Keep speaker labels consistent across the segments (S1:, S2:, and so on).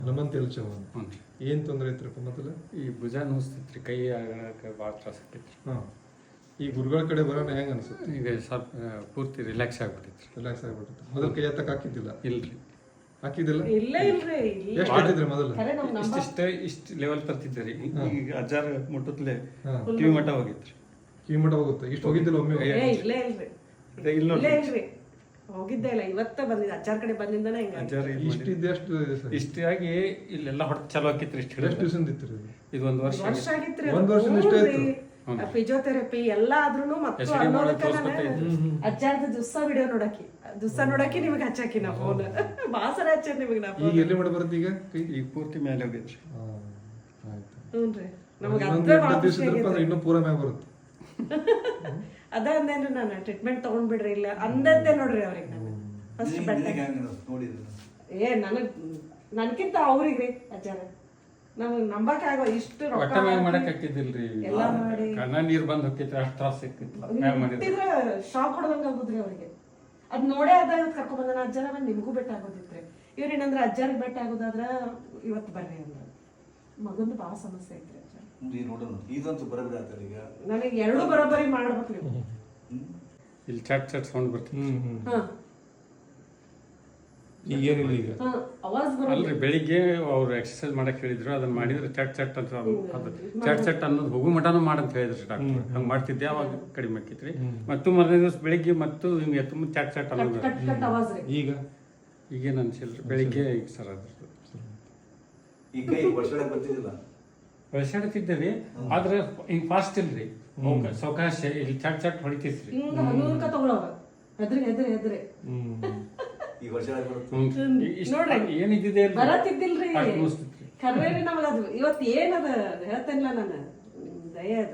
S1: ಹನುಮಂತ ಚೌಹಾಣ್.
S2: ಹ್ಞೂ
S1: ಏನು ತೊಂದರೆ ಐತ್ರಪ್ಪ ಮೊದಲು?
S2: ಈ ಭುಜ ನೋಸ್ತಿತ್ತು ರೀ, ಕೈ ಆಗಕ್ಕೆ ಭಾಳ ತ್ರಾಸ ಆಕೈತಿ.
S1: ಹಾಂ, ಈ ಗುರುಗಳ ಕಡೆ ಬರೋಣ ಹೆಂಗೆ ಅನಿಸುತ್ತೆ?
S2: ಈಗ ಸ್ವಲ್ಪ ಪೂರ್ತಿ ರಿಲ್ಯಾಕ್ಸ್ ಆಗ್ಬಿಟ್ಟೈತಿ.
S1: ರಿಲ್ಯಾಕ್ಸ್ ಆಗಿಬಿಡುತ್ತೆ. ಮೊದಲು ಕೈ ಎತ್ತಕ್ಕೆ ಹಾಕಿದ್ದಿಲ್ಲ?
S2: ಇಲ್ರಿ,
S1: ಹಾಕಿದ್ದಿಲ್ಲ. ಎಷ್ಟು
S2: ಭಾಳ
S1: ಇಟ್ಟಿದ್ರಿ ಮೊದಲು?
S2: ಇಷ್ಟು ಲೆವೆಲ್ ತರ್ತಿದ್ದೆ ರೀ. ಈಗ ಅಜ್ಜಾರ ಮುಟ್ಟತ್ಲೆ
S1: ಹಾಂ,
S2: ಕಿವಿ ಮಠ ಹೋಗಿತ್ರಿ.
S1: ಕಿವಿ ಮಠ ಹೋಗುತ್ತೆ. ಇಷ್ಟು ಹೋಗಿದ್ದಿಲ್ಲ ಒಮ್ಮೆ?
S2: ಇಲ್ಲ ನೋಡ್ರಿ,
S3: ಹೋಗಿದ್ದೆ ಇಲ್ಲ, ಇವತ್ತ ಬಂದಿದ್ದೆ ಅಜ್ಜಾರ್ ಕಡೆ ಬಂದಿಂದನೇ ಹಿಂಗ
S2: ಅಜ್ಜಾರ
S1: ಇಷ್ಟು ಇದ್ದು ಎಷ್ಟು
S2: ಇಷ್ಟಾಗಿ ಇಲ್ಲೆಲ್ಲ ಹೊಡೆದು ಚಲೋ ಆಕಿತ್ರಿ. ಇಷ್ಟು
S1: ಎಷ್ಟು ದಿವಸ ಇತ್ತು ಇದು?
S2: ಇದು 1 ವರ್ಷ
S3: ವರ್ಷ ಆಗಿತ್ರಿ.
S1: ಒಂದ್ ವರ್ಷದಿಂದ ಇಷ್ಟೇ ಆಯ್ತು?
S3: ಫಿಸಿಯೋಥೆರಪಿ ಎಲ್ಲ ಆದ್ರೂನು ಮತ್ತು
S2: SD
S3: ಅನ್ನೋದಕ್ಕ
S2: ತೋರ್ಸ್ಕೊತಾ ಇದ್ವಿ.
S3: ಅಜ್ಜಾರ್ದ ಜುಸ್ಸ ನೋಡಾಕಿ ನಿಮಗೆ ಹಚ್ಚಾಕಿ ನಾ ಫೋನ್ ಬಾಸರ ಹಚ್ಚ ನಿಮಗೆ ನಾ
S1: ಈಗ
S3: ಫೋನ್.
S1: ಎಲ್ಲಿ ಮಾಡಿ ಬರುತ್ತೆ ಈಗ ಕೈ?
S2: ಈಗ ಪೂರ್ತಿ ಮೇಲೆ ಹೋಗೈತ್ರಿ.
S1: ಹಾಂ, ಆಯ್ತು.
S3: ಹ್ಞೂನ್ರಿ, ನಮಗೆ
S1: ಇನ್ನೊಂದು 8 ದಿವಸ ಇದ್ರಪ್ಪ ಅಂದ್ರೆ ಇನ್ನೂ ಪೂರ ಮ್ಯಾಗ ಬರುತ್ತೆ.
S3: ಅದ ಅಂದೇನ್ರಿ, ನಾನು ಟ್ರೀಟ್ಮೆಂಟ್ ತಗೊಂಡ್ಬಿಡ್ರಿ ಇಲ್ಲ ಅಂದದ್ದೇ ನೋಡ್ರಿ ಅವ್ರಿಗೆ ನಾನು ಫಸ್ಟ್ ನನ್ಕಿಂತ ಅವ್ರಿಗ್ರಿ ಅಜ್ಜಾರ ನಮಗ್ ನಂಬಕ್ ಆಗೋ ಇಷ್ಟು
S2: ಒಟ್ಟ ಮ್ಯಾಗ ಮಾಡಕ್ ಹಾಕಿದ್ದಿಲ್ರಿ.
S3: ಎಲ್ಲ ಮಾಡಿ
S2: ಕಣ್ಣ ನೀರ್ ಬಂದ್ ಹೋಗಿತ್ರಿ, ಅಷ್ಟ್ ತ್ರಾಸ ಸಿಕ್ಕಿತ್ತು ಮ್ಯಾಗ ಮಾಡಿದ್ರೆ.
S3: ಶಾಕ್ ಹೊಡೆದಂಗ ಆಗುದ್ರಿ ಅವ್ರಿಗೆ. ಅದ್ ನೋಡೇ ಅದ ಇವತ್ತು ಕರ್ಕೊಂಡ್ ಬಂದ ಅಜ್ಜಾರ ಬಂದ್ ನಿಮಗೂ ಬೆಟ್ಟ ಆಗೋದಿತ್ರಿ. ಇವ್ರೇನಂದ್ರ ಅಜ್ಜಾರಿಗೆ ಬೆಟ್ಟ ಆಗೋದಾದ್ರ ಇವತ್ತು ಬರ್ರಿ ಅಂದ್ರ ಮಗಂದು ಬಾಳ ಸಮಸ್ಯೆ ಐತ್ರಿ ಅಜ್ಜ. ನನಗೆ ಎರಡು ಬರೋಬ್ಬರಿ ಮಾಡ್ಬೇಕು ನೀವು.
S2: ಇಲ್ಲಿ ಚಟ್ ಚಟ್ ಸೌಂಡ್ ಬರ್ತೀನಿ.
S3: ಹಾ
S1: ಈಗೇನಿಲ್ಲ ಈಗ?
S3: ಹಾ ಅವಾಜ್
S2: ಅಲ್ರಿ,
S3: ಬರೋದು.
S2: ಬೆಳಿಗ್ಗೆ ಅವ್ರು ಎಕ್ಸರ್ಸೈಸ್ ಮಾಡಕ್ ಹೇಳಿದ್ರು, ಅದನ್ನ ಮಾಡಿದ್ರೆ ಚಟ್ ಚಟ್ ಅಂತ ಅದು ಚಟ್ ಚಟ್ ಅನ್ನೋದು ಹೋಗು ಮಟನೂ ಮಾಡಂತ ಹೇಳಿದ್ರಿ ಡಾಕ್ಟರ್. ಹಂಗ್ ಮಾಡ್ತಿದ್ದೆ, ಅವಾಗ ಕಡಿಮೆ ಆಕೈತ್ರಿ. ಮತ್ತು ಮರನೇ ದಿವಸ ಬೆಳಿಗ್ಗೆ ಮತ್ತು ಹಿಂಗೆ ತುಂಬ ಚಟ್ ಚಟ್ ಅನ್ನೋದು.
S3: ಕಟ್ ಕಟ್ ಅವಾಜ್ ರೀ.
S1: ಈಗ
S2: ಈಗೇನು ಅನ್ಸಿಲ್ರಿ, ಬೆಳಿಗ್ಗೆ ಈಗ ಸರ್ ಅದ್ರದ್ದು ಬೆಳೆಸಾಡ್ತಿದ್ದೆ ರೀ. ಆದ್ರೆ ಹಿಂಗ್ ಫಾಸ್ಟ್ ಇಲ್ರಿ, ಸಾವಕಾಶ ಇಲ್ಲಿ ಚಟ್ ಚಟ್ ಹೊಡಿತೈತ್ರಿ.
S3: ಹಿಂಗ ಹಗುರ್ಕ ತಗೊಳವ ಹೆದ್ರಿ ನೋಡ್ರಿ
S2: ಏನಿದ್ದಿದೆ
S3: ಬರತ್ತಿದ್ದಿಲ್ರಿ. ಕರ್ವೇರಿ ನಮಗ ಅದು ಇವತ್ತು ಏನದ ಹೇಳ್ತೇನಿಲ್ಲ ನಾನು, ದಯ ಅದ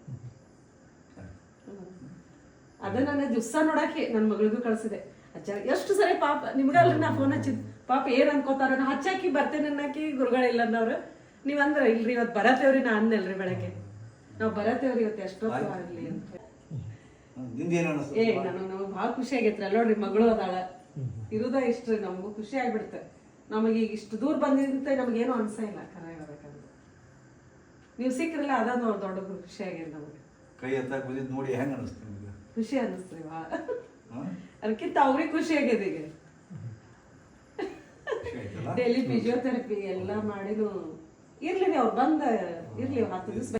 S3: ಅದ ನನ್ನ ದಿವ್ಸ ನೋಡಾಕಿ ನನ್ನ ಮಗಳಿಗೂ ಕಳ್ಸಿದೆ. ಅಜ್ಜ ಎಷ್ಟು ಸರಿ ಪಾಪ ನಿಮ್ಗಲ್ರಿ ನಾ ಫೋನ್ ಹಚ್ಚಿದ್, ಪಾಪ ಏನ್ ಅನ್ಕೋತಾರ ನಾ ಹಚ್ಚಾಕಿ ಬರ್ತೇನೆ ಅನ್ನಕಿ ಗುರುಗಳಿಲ್ಲ ಅನ್ನವ್ರು. ನೀವ್ ಅಂದ್ರ ಇಲ್ರಿ ಇವತ್ತು ಬರತ್ತೇವ್ರಿ, ನಾ ಅನ್ನಲ್ರಿ ಬೆಳಗ್ಗೆ ನಾವ್ ಬರತ್ತೇವ್ರಿ ಇವತ್ತು ಎಷ್ಟೊತ್ತು ಆಗ್ಲಿ ಅಂತ. ನಮಗ್ ಭಾಳ ಖುಷಿ ಆಗೈತ್ರಿ. ನೋಡ್ರಿ ಮಗಳು ಅದಾಳ, ಇರುದ ಇಷ್ಟ್ರಿ, ನಮಗೂ ಖುಷಿ ಆಗ್ಬಿಡ್ತ. ನಮಗೆ ಈಗ ಇಷ್ಟು ದೂರ ಬಂದಿದ್ದಂತೆ ನಮಗೇನು ಅನ್ಸ ಇಲ್ಲ. ಕರ ಹೇಳ್ಬೇಕಂದ್ರೆ ನೀವು ಸಿಕ್ಕ್ರಲ್ಲ, ಅದ ದೊಡ್ಡ ಖುಷಿ ಆಗ್ಯದ ನಮಗೆ.
S4: ಕೈ ಎತ್ತಾಕ್ ಬಂದಿದ್ ನೋಡಿ ಹೆಂಗ ಅನಿಸ್ತು ನಿಮ್ಗೆ?
S3: ಖುಷಿ ಅನ್ನಿಸ್ತ್ರಿ ಭಾಳ. ಅದಕ್ಕಿಂತ ಅವ್ರಿಗೆ ಖುಷಿ ಆಗ್ಯದ. ಈಗ ಡೈಲಿ ಫಿಸಿಯೋಥೆರಪಿ ಎಲ್ಲ ಮಾಡಿನು ಇರ್ಲಿ, ಅವ್ರು ಬಂದ ಇರ್ಲಿ 10 ದಿವಸ